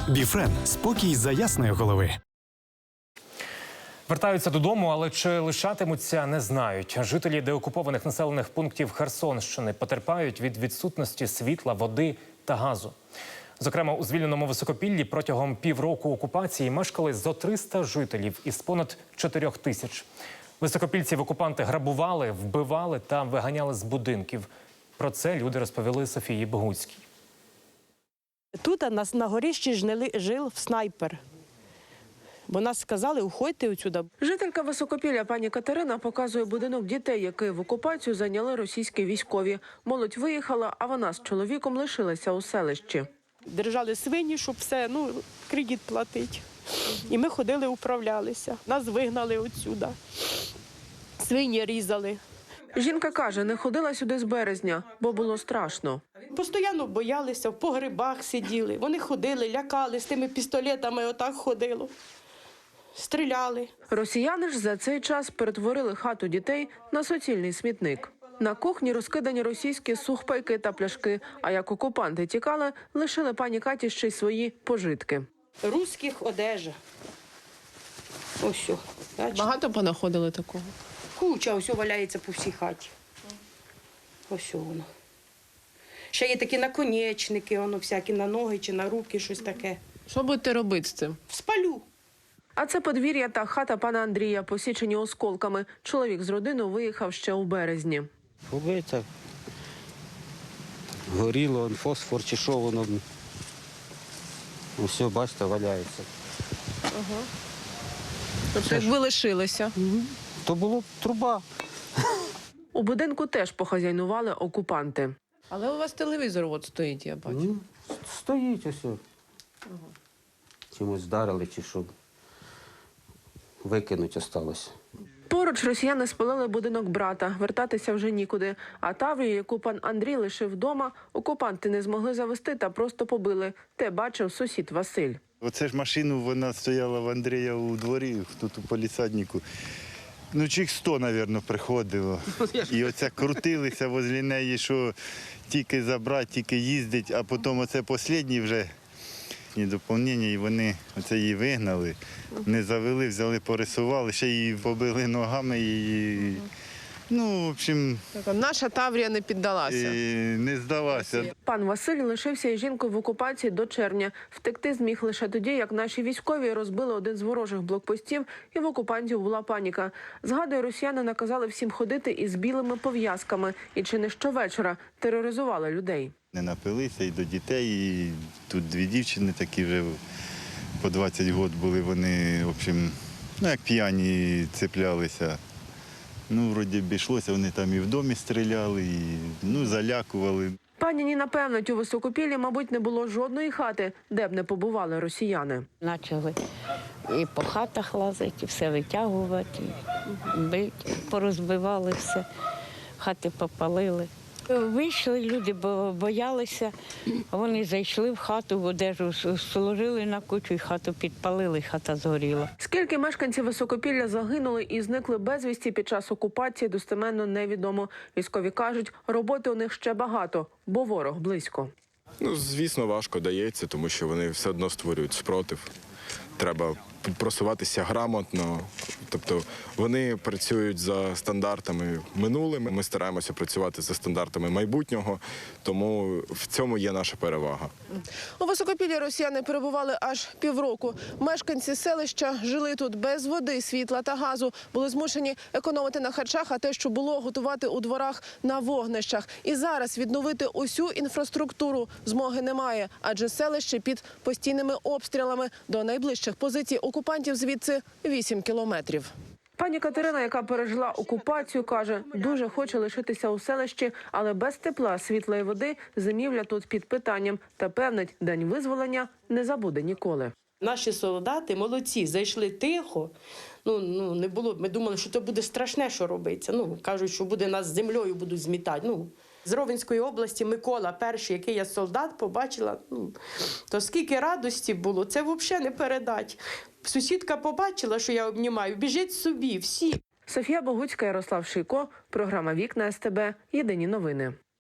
Біфрен – спокій за ясної голови. Вертаються додому, але чи лишатимуться, не знають. Жителі деокупованих населених пунктів Херсонщини потерпають від відсутності світла, води та газу. Зокрема, у звільненому Високопіллі протягом півроку окупації мешкали зо 300 жителів із понад 4 тисяч. Високопільців окупанти грабували, вбивали та виганяли з будинків. Про це люди розповіли Софії Богуцькій. Тут на горищі жив снайпер. Бо нас сказали, уходьте відсюди. Жителька Високопілля пані Катерина показує будинок дітей, який в окупацію зайняли російські військові. Молодь виїхала, а вона з чоловіком лишилася у селищі. Держали свині, щоб все, кредит платити. І ми ходили, управлялися. Нас вигнали відсюди. Свині різали. Жінка каже, не ходила сюди з березня, бо було страшно. Постійно боялися, в погребах сиділи. Вони ходили, лякали, з тими пістолетами отак ходило. Стріляли. Росіяни ж за цей час перетворили хату дітей на суцільний смітник. На кухні розкидані російські сухпайки та пляшки, а як окупанти тікали, лишили пані Каті ще й свої пожитки. Руських одежа. Ось що. Багато понаходили такого? Куча ось валяється по всій хаті. Ось воно. Ще є такі наконечники, всякі на ноги чи на руки, щось таке. Що будете робити з цим? Спалю. А це подвір'я та хата пана Андрія, посічені осколками. Чоловік з родиною виїхав ще у березні. Побите, горіло, фосфор чи що воно. Все, бачите, валяється. Тобто, як ви лишилися? То була труба. У будинку теж похазяйнували окупанти. Але у вас телевізор от стоїть, я бачу. Стоїть ось. Чимось вдарили чи що. Викинуть осталось. Поруч росіяни спалили будинок брата. Вертатися вже нікуди. А Таврію, яку пан Андрій лишив вдома, окупанти не змогли завести та просто побили. Те бачив сусід Василь. Оце ж машину, вона стояла в Андрія у дворі, тут у полісаднику. Чих 100, мабуть, приходило. І оце крутилися возле неї, що тільки забрати, тільки їздить, а потім оце останній вже доповнення, і вони оце її вигнали, не завели, взяли, порисували, ще її побили ногами, і, в общем, Наша Таврія не піддалася. не здалася. Пан Василь лишився із жінкою в окупації до червня. Втекти зміг лише тоді, як наші військові розбили один з ворожих блокпостів, і в окупантів була паніка. Згадує, росіяни наказали всім ходити із білими пов'язками і чи не щовечора тероризували людей. Не напилися і до дітей, і тут 2 дівчини такі вже по 20 років були, вони, в общем, як п'яні цеплялися. Вроді б йшлося, вони там і в домі стріляли, і залякували. Пані Ніна певнить, у Високопіллі, мабуть, не було жодної хати, де б не побували росіяни. Почали і по хатах лазити, і все витягувати, і бити, порозбивали все, хати попалили. Вийшли люди, бо боялися, вони зайшли в хату, в одежу сложили на кучу і хату підпалили, хата згоріла. Скільки мешканців Високопілля загинули і зникли безвісті під час окупації, достеменно невідомо. Військові кажуть, роботи у них ще багато, бо ворог близько. Звісно, важко дається, тому що вони все одно створюють спротив. Треба просуватися грамотно, тобто вони працюють за стандартами минулими, ми стараємося працювати за стандартами майбутнього, тому в цьому є наша перевага. У Високопіллі росіяни перебували аж півроку. Мешканці селища жили тут без води, світла та газу, були змушені економити на харчах, а те, що було, готувати у дворах на вогнищах. І зараз відновити усю інфраструктуру змоги немає, адже селище під постійними обстрілами. До найближчих позицій окупантів звідси 8 кілометрів. Пані Катерина, яка пережила окупацію, каже, дуже хоче лишитися у селищі, але без тепла, світла і води зимівля тут під питанням. Та певнить, день визволення не забуде ніколи. Наші солдати молодці, зайшли тихо. Не було, ми думали, що це буде страшне, що робиться. Кажуть, що буде нас з землею будуть змітати. З Ровенської області Микола, перший, який я солдат, побачила, то скільки радості було, це взагалі не передати. Сусідка побачила, що я обнімаю, біжить собі, всі. Софія Богуцька, Ярослав Шийко, програма «Вікна СТБ», єдині новини.